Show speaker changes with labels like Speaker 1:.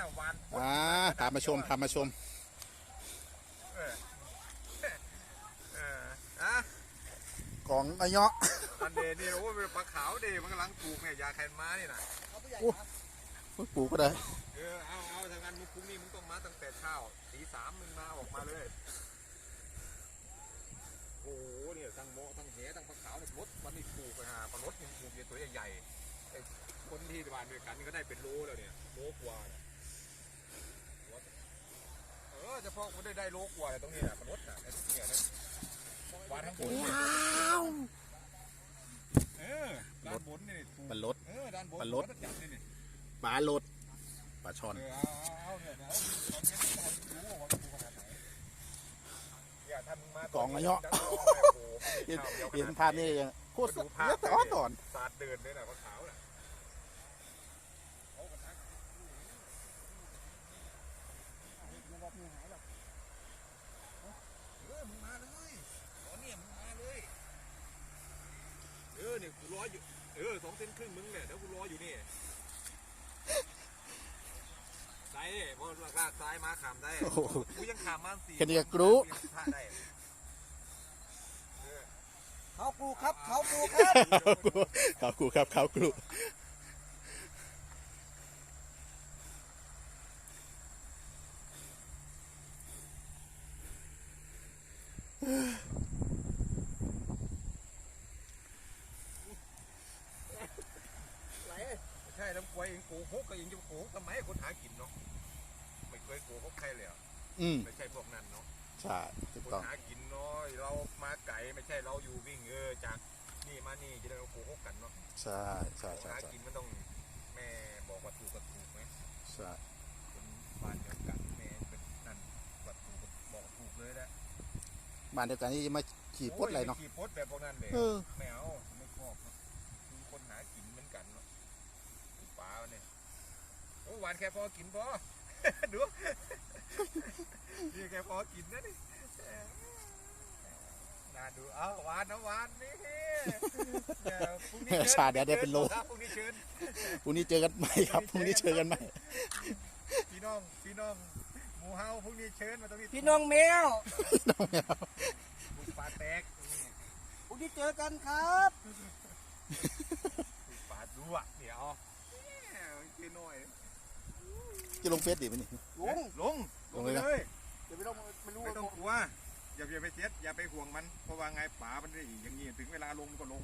Speaker 1: น่ะวาน
Speaker 2: ตามมาชม
Speaker 1: เอออะ
Speaker 2: ของอาเยาะ
Speaker 1: อันเดนี่โอ้ยปลาขาวเดมันกำลังปลูกเนี่ยยาแคนม้านี่นะ
Speaker 2: ปลูกก็ได้
Speaker 1: เอาทางงานมึงพรุ่งนี้มึงต้องมาตั้งแต่เช้าตี 3มึงมาออกมาเลยโอ้โหเนี่ยทั้งโมทั้งเหทั้งปลาขาวเนี่ยมดวันนี้ปลูกไปหาปลารสยังปลูกเนี่ยตัวใหญ่ๆไอ้คนที่บ้านด้วยกันก็ได้เป็นโลแล้วเนี่ยโลกว่าเฉพาะคนได้โลกว่าตรงนี้นะปลารสน่ะเนี่ยวานทั้งหมดด้านบนนี่ปลารสด้านบนปลารสจับนี่
Speaker 2: ปลารสปลาช่อนกองอาเยาะเห็นภาพนี่ยังโคตรเยอะต่อน
Speaker 1: สาดเดินเลยนะปลาขาวน่ะมึงมาเลยตอนนี้มึงมาเลยเนี่ยกูรออยู่2 เซนครึ่งมึงเนี่ยเดี๋ยวกูรออยู่นี่ได้พอลากซ้ายมาขามได้กูยังขามมา4
Speaker 2: แค่นี้ก็กรู้
Speaker 3: เขากูครับเขากูครับ
Speaker 2: เขากรู
Speaker 1: ใช่น้ำกล้วยเองโกหกก็ยังจะโกหกทำไมคนหากินเนาะไม่เคยโกหกใครเลยไม่ใช่พวกนั้นเนาะ
Speaker 2: ใช่ถูก
Speaker 1: คน
Speaker 2: ต้อง
Speaker 1: หากินน้อยเรามาไก่ไม่ใช่เราอยู่วิ่งจากนี่มานี่จะได้เราโกหกกันเนาะ
Speaker 2: ใช่
Speaker 1: หากินมันต้องแม่บอกว่าถูกกับถูกไหม
Speaker 2: ใช่
Speaker 1: คนบ้านเดียวกันแม่เป็นนั่นว่าถูกบอกถูกเลยนะ
Speaker 2: บ้านเดียวกันนี่มาขี่ปดอะไรเนาะ
Speaker 1: ขี่ปดแบบพวกนั้นเลยไม่เอาไม่ชอบคือคนหากินเหมือนกันเนาะป่าเนี่ยโอ้หวานแค่พอกินพอดูนี่แค่พอกินนะนี่น่าดูเอาหวานนะหวานนี่
Speaker 2: ชาเดี๋ยวเป็นโล
Speaker 1: พรุ่งนี้เชิญ
Speaker 2: พรุ่งนี้เจอกันใหม่ครับพรุ่งนี้เจอกันใหม่
Speaker 1: พี่น้องหมูเฮาพรุ่งนี้เชิญมาตรงนี้
Speaker 3: พี่น้องแมว
Speaker 1: บุกป่าแตก
Speaker 3: พรุ่งนี้เจอกันครับ
Speaker 1: บุกป่าดูอ่ะเดี๋ยวกินหน่อย
Speaker 2: จะลงเฟซดิมันนี่
Speaker 1: ลงเลย
Speaker 3: จะไม่รู้
Speaker 1: ไม่ต้องกลัวอย่าไปเสียดอย่าไปห่วงมันเพราะว่าไงป่ามันได้อย่างนี้ถึงเวลาลงก็ลง